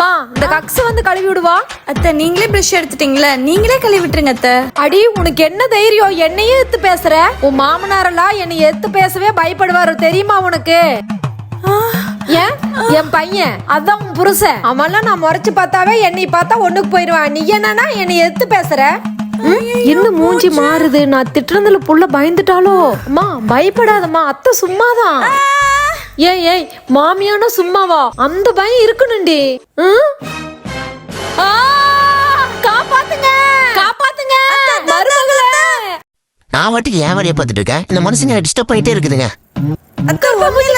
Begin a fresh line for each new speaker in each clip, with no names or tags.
அம்மா இந்த கக்ஸ் வந்து கழுவி விடுவா.
அத்தை நீங்களே பிரஷ் எடுத்துட்டீங்களா, நீங்களே கழுவி விட்டுருங்க அத்தை.
அடி உனக்கு என்ன தைரியம் என்னையே எடுத்து பேசுற? உன் மாமனாரெல்லாம் என்னை எடுத்து பேசவே பயப்படுவாரு தெரியுமா உனக்கு? ஏன் என் பையன் அதான் உன் புருஷன், அவன்லாம் நான் முறைச்சு பார்த்தாவே என்னை பார்த்தா ஒண்ணுக்கு போயிடுவான். நீ என்னன்னா என்னை எடுத்து பேசுற? இன்னும் மூஞ்சி மாறுது. நான் திட்டுறதுல புள்ள பயந்துட்டாலோ? அம்மா பயப்படாதம்மா, அத்தை சும்மாதான். ஏய் மாமியானா சும்மாவா? அந்த பயம் இருக்கணும்டி. காப்பாத்துங்க காப்பாத்துங்க மருமகளே.
நான் வாட்டுக்கு ஏன் வரைய பார்த்துட்டு இருக்கேன், இந்த மனுஷங்க டிஸ்டர்ப் பண்ணிட்டே இருக்குதுங்க.
அத்தை ஒண்ணுல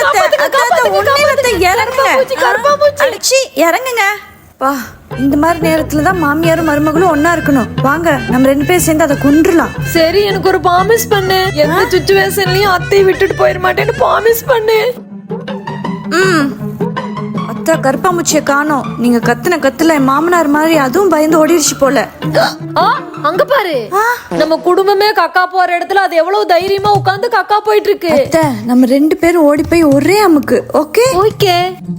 இறங்குங்க. பா இந்த மாதிரி நேரத்துல தான் மாமியாரும் மருமகளும் ஒன்னா இருக்கணும். வாங்க நம்ம 2 பேரும் சேர்ந்து அதை கொன்றுலாம்.
சரி எனக்கு ஒரு ப்ராமிஸ் பண்ணு. எந்த சிச்சுவேஷன்லயும் அத்தை விட்டுட்டு போயிட மாட்டேன்னு ப்ராமிஸ் பண்ணு.
அத்தை கருப்பாம்பூச்சியை காணோம். நீங்க கத்துன கத்துல என் மாமனார் மாதிரி அதுவும் பயந்து ஓடிடுச்சு போல.
அங்க பாரு, நம்ம குடும்பமே கக்கா போற இடத்துல அது எவ்வளவு தைரியமா உட்கார்ந்து கக்கா போயிட்டு இருக்கு.
அத்தை நம்ம 2 பேரும் ஓடி போய் ஒரே அமுக்கு. Okay
okay.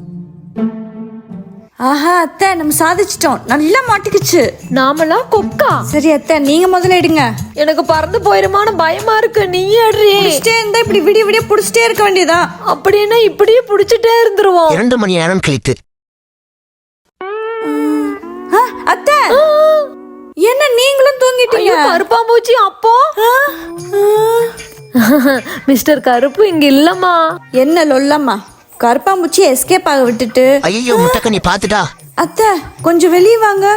ஆஹா அத்தை நம்ம சாதிச்சிட்டோம், நல்லா மாட்டிக்கிச்சு.
நாமெல்லாம் கொக்கா.
சரி அத்தை நீங்க முதல்ல எடுங்க.
எனக்கு பறந்து போயிருமான பயமா இருக்கு. நீ எடுறி.
புடிச்சிட்டே இருந்தா இப்படி விடிய புடிச்சிட்டே இருக்க வேண்டியதா?
அப்படின்னா இப்படியே புடிச்சிட்டே இருந்துருவோம்.
2 மணி நேரம் கழித்து.
அத்தை என்ன நீங்களும் தூங்கிட்டீங்க?
கருப்பாம்பூச்சி அப்போ மிஸ்டர் கருப்பு இங்க இல்லம்மா.
என்ன லொல்லம்மா, கருப்பாம்பூச்சி எஸ்கேப் ஆக விட்டுட்டு.
ஐயோ முட்டக்க நீ பாத்துட்டா.
அத்தை கொஞ்சம் வெளியே வாங்க.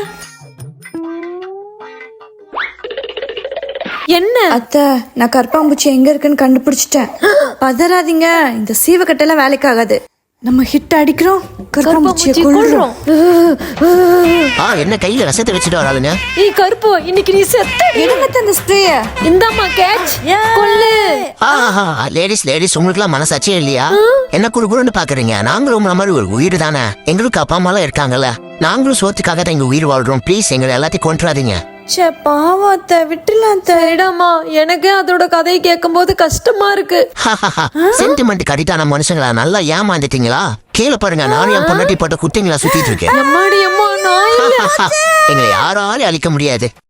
என்ன
அத்தை நான் கருப்பாம்பூச்சி எங்க இருக்குன்னு கண்டுபிடிச்சிட்டேன். பதறாதீங்க, இந்த சீவக்கட்டெல்லாம் வேலைக்கு ஆகாது. நம்ம ஹிட் அடிக்கிறோம், கருப்பாம்பூச்சியை கொல்றோம்.
என்ன கையில ரசத்தை வச்சுட்டு வராதுங்க.
ஏய் கருப்பு இன்னைக்கு நீ செத்த.
எடுங்க அந்த ஸ்ப்ரேய.
இந்தாம்மா கேட்ச் கொல்லு.
லேடிஸ் உங்களுக்குலாம் மனசாட்சியே இல்லையா? என்ன குறுகுறுன்னு பாக்குறீங்க? நாங்களும் உங்களை மாதிரி ஒரு உயிர் தானே. எங்களுக்கு அப்பா அம்மா எல்லாம் இருக்காங்கல்ல. நாங்களும் சோத்துக்காக தான் எங்க உயிர் வாழ்றோம். ப்ளீஸ் எங்களை எல்லாத்தையும் கொண்டுறாதீங்க.
சே பாவம் அத்தை, விட்டுலாம் அத்தை.
சரிடாமா, எனக்கு அதோட கதையை கேட்கும் போது கஷ்டமா இருக்கு.
சென்டிமெண்ட் கடிட்டான மனுஷங்களா நல்லா ஏமாந்துட்டீங்களா? கீழே பாருங்க, நானும் என் பொண்டாட்டி போட்ட குட்டிங்களா சுத்திட்டு இருக்கேன்.
எம்மாடி அம்மா நான் இல்ல.
எங்களை யாராலையும் அழிக்க முடியாது.